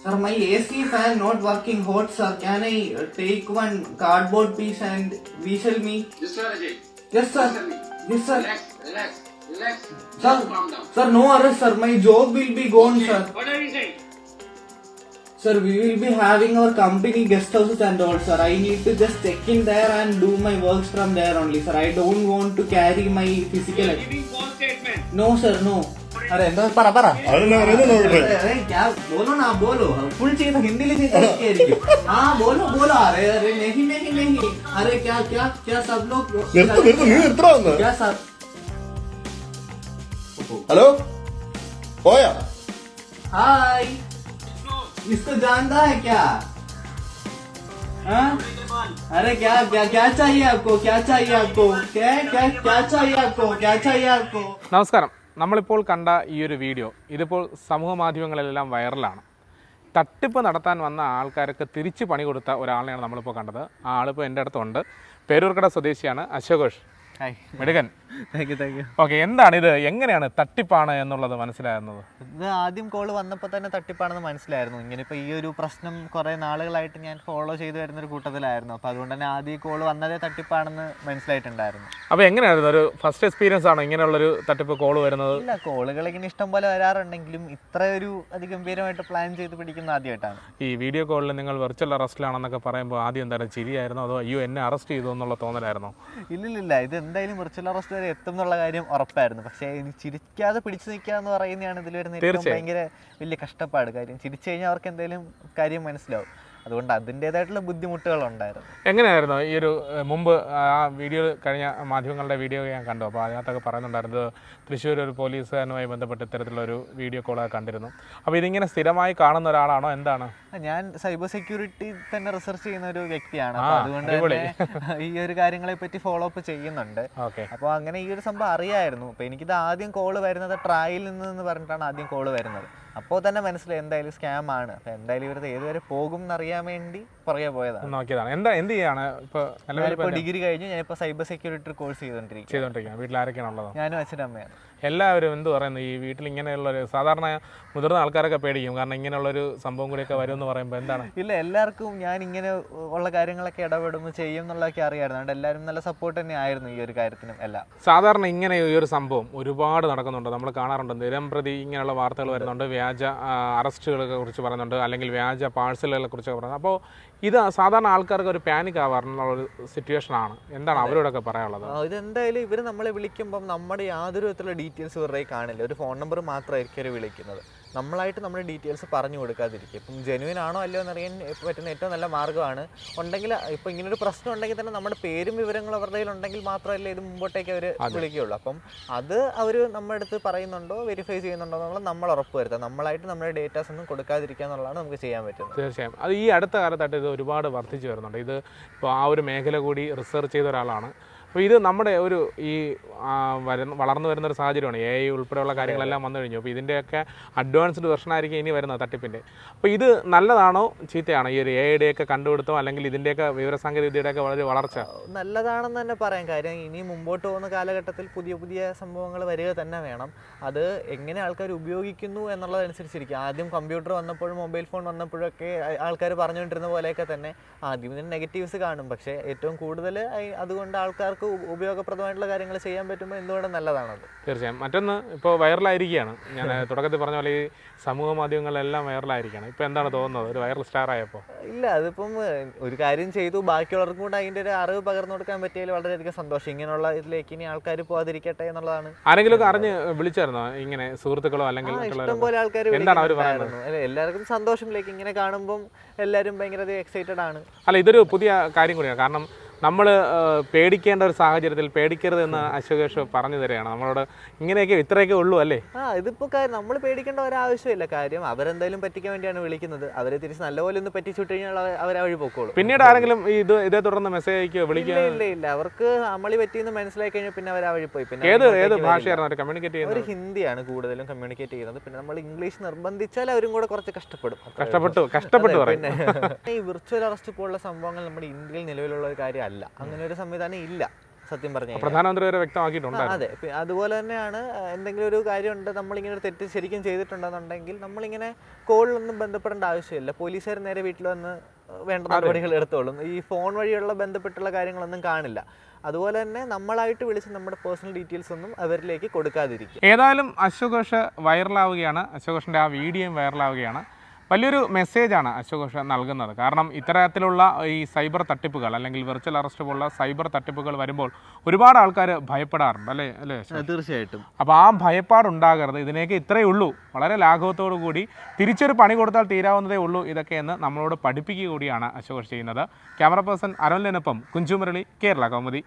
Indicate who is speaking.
Speaker 1: Sir, my AC fan not working hot, sir. Can I take one cardboard piece and whistle me?
Speaker 2: Yes, sir, Ajay.
Speaker 1: Yes, sir. Yes, sir.
Speaker 2: Relax.
Speaker 1: Sir,
Speaker 2: Calm down.
Speaker 1: sir, no arrest, sir. My job will be gone,
Speaker 2: Okay.
Speaker 1: sir.
Speaker 2: What are you saying?
Speaker 1: Sir, we will be having our company guest houses and all, sir. I need to just check in there and do my works from there only, sir. I don't want to carry my physical.
Speaker 2: You are giving false statement.
Speaker 1: No, sir, no. अरे എന്താ പറ
Speaker 3: अरे
Speaker 1: क्या बोलो ना बोलो full चाहिए था हिंदी में चाहिए हाँ बोलो अरे अरे नहीं अरे क्या क्या क्या सब लोग क्या सब
Speaker 3: हेलो ओया
Speaker 1: हाय इसको जानता है क्या हाँ अरे क्या क्या क्या चाहिए आपको क्या चाहिए आपको क्या क्या क्या चाहिए आपको क्या चाहिए आपको
Speaker 4: നമസ്കാരം. നമ്മളിപ്പോൾ കണ്ട ഈ ഒരു വീഡിയോ ഇതിപ്പോൾ സമൂഹ മാധ്യമങ്ങളിലെല്ലാം വൈറലാണ്. തട്ടിപ്പ് നടത്താൻ വന്ന ആൾക്കാർക്ക് തിരിച്ച് പണി കൊടുത്ത ഒരാളെയാണ് നമ്മളിപ്പോൾ കണ്ടത്. ആ ആളിപ്പോൾ എൻ്റെ അടുത്തുണ്ട്. പേരൂർക്കട സ്വദേശിയാണ് അശോകോഷ്. മെടുകൻ.
Speaker 5: Thank you.
Speaker 4: ഓക്കെ, എന്താണ് ഇത്, എങ്ങനെയാണ് തട്ടിപ്പാണ് എന്നുള്ളത് മനസ്സിലാകുന്നത്?
Speaker 5: ഇത് ആദ്യം കോള് വന്നപ്പോൾ തന്നെ തട്ടിപ്പാണെന്ന് മനസ്സിലായിരുന്നു. ഇങ്ങനെ ഇപ്പോൾ ഈ ഒരു പ്രശ്നം കുറേ നാളുകളായിട്ട് ഞാൻ ഫോളോ ചെയ്തു വരുന്നൊരു കൂട്ടത്തിലായിരുന്നു. അപ്പോൾ അതുകൊണ്ട് തന്നെ ആദ്യം കോള് വന്നതേ തട്ടിപ്പാണെന്ന് മനസ്സിലായിട്ടുണ്ടായിരുന്നു.
Speaker 4: അപ്പോൾ എങ്ങനെയായിരുന്നു, ഒരു ഫസ്റ്റ് എക്സ്പീരിയൻസ് ആണോ ഇങ്ങനെയുള്ളൊരു തട്ടിപ്പ് കോള് വരുന്നത്?
Speaker 5: ഇല്ല, കോളുകൾ ഇങ്ങനെ ഇഷ്ടം പോലെ വരാറുണ്ടെങ്കിലും ഇത്ര ഒരു അതിഗംഭീരമായിട്ട് പ്ലാൻ ചെയ്ത് പിടിക്കുന്ന ആദ്യമായിട്ടാണ്.
Speaker 4: ഈ വീഡിയോ കോളിൽ നിങ്ങൾ വെർച്വൽ അറസ്റ്റിലാണെന്നൊക്കെ പറയുമ്പോൾ ആദ്യം എന്തായാലും ചിരിയായിരുന്നോ അതോ അയ്യോ എന്നെ അറസ്റ്റ് ചെയ്തു എന്നുള്ള തോന്നലായിരുന്നോ?
Speaker 5: ഇല്ലില്ല, ഇത് എന്തായാലും വിർച്വൽ അറസ്റ്റ് വരെ എത്തും എന്നുള്ള കാര്യം ഉറപ്പായിരുന്നു. പക്ഷേ ചിരിക്കാതെ പിടിച്ചു നിൽക്കുക എന്ന് പറയുന്നതാണ് ഇതിൽ വരുന്ന ഏറ്റവും ഭയങ്കര വലിയ കഷ്ടപ്പാട്. കാര്യം ചിരിച്ചു കഴിഞ്ഞാൽ അവർക്ക് എന്തെങ്കിലും കാര്യം മനസ്സിലാവും. അതുകൊണ്ട് അതിൻ്റെതായിട്ടുള്ള ബുദ്ധിമുട്ടുകളുണ്ടായിരുന്നു.
Speaker 4: എങ്ങനെയായിരുന്നു ഈ ഒരു മുമ്പ് ആ വീഡിയോ കഴിഞ്ഞ മാധ്യമങ്ങളുടെ വീഡിയോ ഞാൻ കണ്ടു. അപ്പോൾ അതിനകത്തൊക്കെ പറയുന്നുണ്ടായിരുന്നത് തൃശ്ശൂർ ഒരു പോലീസുകാരനുമായി ബന്ധപ്പെട്ട് ഇത്തരത്തിലുള്ളൊരു വീഡിയോ കോളൊക്കെ കണ്ടിരുന്നു. അപ്പോൾ ഇതിങ്ങനെ സ്ഥിരമായി കാണുന്ന ഒരാളാണോ എന്താണ്?
Speaker 5: ഞാൻ സൈബർ സെക്യൂരിറ്റി തന്നെ റിസർച്ച് ചെയ്യുന്ന ഒരു വ്യക്തിയാണ്. അതുകൊണ്ട് തന്നെ ഈ ഒരു കാര്യങ്ങളെ പറ്റി ഫോളോ അപ്പ് ചെയ്യുന്നുണ്ട്. അപ്പോൾ അങ്ങനെ ഈ ഒരു സംഭവം അറിയായിരുന്നു. അപ്പോൾ എനിക്കിത് ആദ്യം കോള് വരുന്നത് ട്രായിൽ നിന്ന് പറഞ്ഞിട്ടാണ് ആദ്യം കോള് വരുന്നത്. അപ്പോൾ തന്നെ മനസ്സിലായി എന്തായാലും സ്കാം ആണ്. അപ്പോൾ എന്തായാലും ഇവരത് ഏതുവരെ പോകും എന്നറിയാൻ വേണ്ടി പുറകെ പോയതാണ്.
Speaker 4: നോക്കിയതാണ്. എന്ത് ചെയ്യാണ് ഇപ്പോൾ?
Speaker 5: ഡിഗ്രി കഴിഞ്ഞു. ഞാനിപ്പോൾ സൈബർ സെക്യൂരിറ്റി കോഴ്സ് ചെയ്തോണ്ടിരിക്കുകയാണ്.
Speaker 4: വീട്ടിൽ ആരൊക്കെയാണുള്ളത്?
Speaker 5: ഞാനും അച്ഛനും അമ്മയാണ്.
Speaker 4: എല്ലാവരും എന്ത് പറയുന്നു ഈ വീട്ടിൽ ഇങ്ങനെയുള്ളൊരു സാധാരണ മുതിർന്ന ആൾക്കാരൊക്കെ പേടിക്കും, കാരണം ഇങ്ങനെയുള്ളൊരു സംഭവം കൂടിയൊക്കെ വരും എന്ന് പറയുമ്പോൾ എന്താണ്?
Speaker 5: ഇല്ല, എല്ലാവർക്കും ഞാൻ ഇങ്ങനെ ഉള്ള കാര്യങ്ങളൊക്കെ ഇടപെടുമ്പോൾ ചെയ്യും എന്നുള്ളതൊക്കെ അറിയാമായിരുന്നു. അതുകൊണ്ട് എല്ലാവരും നല്ല സപ്പോർട്ട് തന്നെ ആയിരുന്നു ഈ ഒരു കാര്യത്തിനും എല്ലാം.
Speaker 4: സാധാരണ ഇങ്ങനെ ഈ ഒരു സംഭവം ഒരുപാട് നടക്കുന്നുണ്ട്, നമ്മൾ കാണാറുണ്ട്. നിരംപ്രതി ഇങ്ങനെയുള്ള വാർത്തകൾ വരുന്നുണ്ട്, വ്യാജ അറസ്റ്റുകളെ കുറിച്ച് പറയുന്നുണ്ട്, അല്ലെങ്കിൽ വ്യാജ പാഴ്സലുകളെ കുറിച്ചൊക്കെ പറയുന്നത്. അപ്പോൾ ഇത് സാധാരണ ആൾക്കാർക്ക് ഒരു പാനിക് ആവാറുള്ളൊരു സിറ്റുവേഷനാണ്. എന്താണ് അവരോടൊക്കെ പറയാനുള്ളത്?
Speaker 5: ഇതെന്തായാലും ഇവർ നമ്മളെ വിളിക്കുമ്പം നമ്മുടെ യാതൊരു വിധത്തിലുള്ള ഡീറ്റെയിൽസ് ഇവരുടെ കാണില്ല. ഒരു ഫോൺ നമ്പർ മാത്രമായിരിക്കും അവർ വിളിക്കുന്നത്. നമ്മളായിട്ട് നമ്മുടെ ഡീറ്റെയിൽസ് പറഞ്ഞു കൊടുക്കാതിരിക്കും. ഇപ്പം ജെനുവിൻ ആണോ അല്ലയോ എന്നറിയാൻ പറ്റുന്ന ഏറ്റവും നല്ല മാർഗ്ഗമാണ്. ഉണ്ടെങ്കിൽ ഇപ്പോൾ ഇങ്ങനൊരു പ്രശ്നം ഉണ്ടെങ്കിൽ തന്നെ നമ്മുടെ പേരും വിവരങ്ങളും അവരുടെ കയ്യിൽ ഉണ്ടെങ്കിൽ മാത്രമല്ലേ ഇത് മുമ്പോട്ടേക്ക് അവർ വിളിക്കുകയുള്ളൂ. അപ്പം അത് അവർ നമ്മുടെ അടുത്ത് പറയുന്നുണ്ടോ വെരിഫൈ ചെയ്യുന്നുണ്ടോ എന്നുള്ളത് നമ്മൾ ഉറപ്പ് വരുത്തുക. നമ്മളായിട്ട് നമ്മുടെ ഡേറ്റാസ് ഒന്നും കൊടുക്കാതിരിക്കുക എന്നുള്ളതാണ് നമുക്ക് ചെയ്യാൻ പറ്റുന്നത്.
Speaker 4: തീർച്ചയായും. അത് ഈ അടുത്ത കാലത്തായിട്ട് ഇത് ഒരുപാട് വർദ്ധിച്ചു വരുന്നുണ്ട്. ഇത് ഇപ്പോൾ ആ ഒരു മേഖല കൂടി റിസർച്ച് ചെയ്ത ഒരാളാണ്. അപ്പോൾ ഇത് നമ്മുടെ ഒരു ഈ വളർന്നു വരുന്നൊരു സാഹചര്യമാണ്. AI ഉൾപ്പെടെയുള്ള കാര്യങ്ങളെല്ലാം വന്നു കഴിഞ്ഞു. അപ്പോൾ ഇതിൻ്റെയൊക്കെ അഡ്വാൻസ്ഡ് വെർഷനായിരിക്കും ഇനി വരുന്നത് തട്ടിപ്പിൻ്റെ. അപ്പോൾ ഇത് നല്ലതാണോ ചീത്തയാണോ ഈ ഒരു AI-യുടെയൊക്കെ കണ്ടുപിടുത്തം, അല്ലെങ്കിൽ ഇതിൻ്റെയൊക്കെ വിവരസാങ്കേതിക വിദ്യയുടെയൊക്കെ വളരെ വളർച്ച?
Speaker 5: നല്ലതാണെന്ന് തന്നെ പറയാം. കാര്യം ഇനി മുമ്പോട്ട് പോകുന്ന കാലഘട്ടത്തിൽ പുതിയ പുതിയ സംഭവങ്ങൾ വരിക തന്നെ വേണം. അത് എങ്ങനെ ആൾക്കാർ ഉപയോഗിക്കുന്നു എന്നുള്ളതനുസരിച്ചിരിക്കും. ആദ്യം കമ്പ്യൂട്ടർ വന്നപ്പോഴും മൊബൈൽ ഫോൺ വന്നപ്പോഴൊക്കെ ആൾക്കാർ പറഞ്ഞുകൊണ്ടിരുന്ന പോലെയൊക്കെ തന്നെ ആദ്യം ഇതിന് നെഗറ്റീവ്സ് കാണും. പക്ഷേ ഏറ്റവും കൂടുതൽ അതുകൊണ്ട് ആൾക്കാർക്ക് ഉപയോഗപ്രദമായിട്ടുള്ള കാര്യങ്ങൾ ചെയ്യാൻ പറ്റുമ്പോൾ എന്തുകൊണ്ടും നല്ലതാണത്.
Speaker 4: തീർച്ചയായും. മറ്റൊന്ന് ഇപ്പോൾ വൈറലായിരിക്കുകയാണ്. ഞാൻ തുടക്കത്തിൽ പറഞ്ഞ പോലെ ഈ സമൂഹ മാധ്യമങ്ങളിലെല്ലാം വൈറലായിരിക്കുകയാണ്. ഇപ്പോൾ എന്താണ് തോന്നുന്നത് ഒരു വൈറൽ സ്റ്റാർ ആയപ്പോൾ?
Speaker 5: ഇല്ല, അതിപ്പം ഒരു കാര്യം ചെയ്തു ബാക്കിയുള്ളവർക്കും കൂടെ അതിൻ്റെ ഒരു അറിവ് പകർന്നു കൊടുക്കാൻ പറ്റിയതിൽ വളരെയധികം സന്തോഷം. ഇങ്ങനെയുള്ള ഇതിലേക്ക് ഇനി ആൾക്കാർ പോകാതിരിക്കട്ടെ എന്നുള്ളതാണ്.
Speaker 4: ആരെങ്കിലും ഒക്കെ അറിഞ്ഞ് വിളിച്ചായിരുന്നോ ഇങ്ങനെ സുഹൃത്തുക്കളോ അല്ലെങ്കിൽ
Speaker 5: ഇഷ്ടംപോലെ ആൾക്കാർ വിളിക്കുന്നുണ്ടായിരുന്നു. എല്ലാവർക്കും സന്തോഷത്തിലേക്ക് ഇങ്ങനെ കാണുമ്പോൾ എല്ലാവരും ഭയങ്കര എക്സൈറ്റഡ് ആണ്.
Speaker 4: അല്ല, ഇതൊരു പുതിയ കാര്യം കൂടിയാണ്. കാരണം നമ്മൾ പേടിക്കേണ്ട ഒരു സാഹചര്യത്തിൽ പേടിക്കരുത് എന്ന് അശോകേഷ് പറഞ്ഞു തരികയാണ് നമ്മളോട്. ഇങ്ങനെയൊക്കെ ഇത്രയൊക്കെ ഉള്ളൂ അല്ലേ?
Speaker 5: ഇതിപ്പോൾ നമ്മൾ പേടിക്കേണ്ട ഒരാവശ്യമില്ല. കാര്യം അവരെന്തായാലും പറ്റിക്കാൻ വേണ്ടിയാണ് വിളിക്കുന്നത്. അവരെ തിരിച്ച് നല്ലപോലെ ഒന്ന് പറ്റിച്ചു വിട്ട് കഴിഞ്ഞാൽ അവർ വഴി പോക്കോളൂ.
Speaker 4: പിന്നീട് ആരെങ്കിലും ഇതേ തുടർന്ന് മെസ്സേജ് അയക്കുകയോ വിളിക്കുക?
Speaker 5: ഇല്ല, അവർക്ക് അമളി പറ്റിയെന്ന് മനസ്സിലാക്കി കഴിഞ്ഞാൽ പിന്നെ അവർ ആ വഴി പോയി. പിന്നെ
Speaker 4: ഏത് ഭാഷയായിരുന്നു അവർ കമ്മ്യൂണിക്കേറ്റ് ചെയ്യുന്നത്?
Speaker 5: അവർ ഹിന്ദിയാണ് കൂടുതലും കമ്മ്യൂണിക്കേറ്റ് ചെയ്യുന്നത്. പിന്നെ നമ്മൾ ഇംഗ്ലീഷ് നിർബന്ധിച്ചാൽ അവരും കൂടെ കുറച്ച്
Speaker 4: കഷ്ടപ്പെട്ടു
Speaker 5: പിന്നെ ഈ വിർച്വൽ അറസ്റ്റ് പോലുള്ള സംഭവങ്ങൾ നമ്മുടെ ഇന്ത്യയിൽ നിലവിലുള്ള ഒരു കാര്യമല്ല. അങ്ങനെ ഒരു സംവിധാനം ഇല്ല. സത്യം പറഞ്ഞു
Speaker 4: പ്രധാനമന്ത്രി വരെ വ്യക്തമാക്കിയിട്ടുണ്ട്.
Speaker 5: അതെ. അതുപോലെ തന്നെയാണ് എന്തെങ്കിലും ഒരു കാര്യമുണ്ട്, നമ്മളിങ്ങനെ ഒരു തെറ്റ് ശരിക്കും ചെയ്തിട്ടുണ്ടെന്നുണ്ടെങ്കിൽ നമ്മളിങ്ങനെ കോളിലൊന്നും ബന്ധപ്പെടേണ്ട ആവശ്യമില്ല. പോലീസുകാർ നേരെ വീട്ടിൽ വന്ന് വേണ്ട നടപടികൾ എടുത്തോളും. ഈ ഫോൺ വഴിയുള്ള ബന്ധപ്പെട്ടുള്ള കാര്യങ്ങളൊന്നും കാണില്ല. അതുപോലെ തന്നെ നമ്മളായിട്ട് വിളിച്ച് നമ്മുടെ പേഴ്സണൽ ഡീറ്റെയിൽസ് ഒന്നും അവരിലേക്ക് കൊടുക്കാതിരിക്കും.
Speaker 4: ഏതായാലും അശോക് ഘോഷ് വൈറലാവുകയാണ്. അശോക് ഘോഷിൻ്റെ ആ വീഡിയോയും വൈറലാവുകയാണ്. വലിയൊരു മെസ്സേജാണ് അശോക് ഘോഷ് നൽകുന്നത്. കാരണം ഇത്തരത്തിലുള്ള ഈ സൈബർ തട്ടിപ്പുകൾ അല്ലെങ്കിൽ വെർച്വൽ അറസ്റ്റ് പോലുള്ള സൈബർ തട്ടിപ്പുകൾ വരുമ്പോൾ ഒരുപാട് ആൾക്കാർ ഭയപ്പെടാറുണ്ട്, അല്ലേ അല്ലേ?
Speaker 5: തീർച്ചയായിട്ടും.
Speaker 4: അപ്പോൾ ആ ഭയപ്പാടുണ്ടാകരുത്. ഇതിനേക്ക് ഇത്രയേ ഉള്ളൂ, വളരെ ലാഘവത്തോടു കൂടി തിരിച്ചൊരു പണി കൊടുത്താൽ തീരാവുന്നതേ ഉള്ളൂ ഇതൊക്കെയെന്ന് നമ്മളോട് പഠിപ്പിക്കുക കൂടിയാണ് അശോക് ഘോഷ് ചെയ്യുന്നത്. ക്യാമറ പേഴ്സൺ അരുണിനൊപ്പം കുഞ്ചുമുരളി, കേരള കൗമുദി.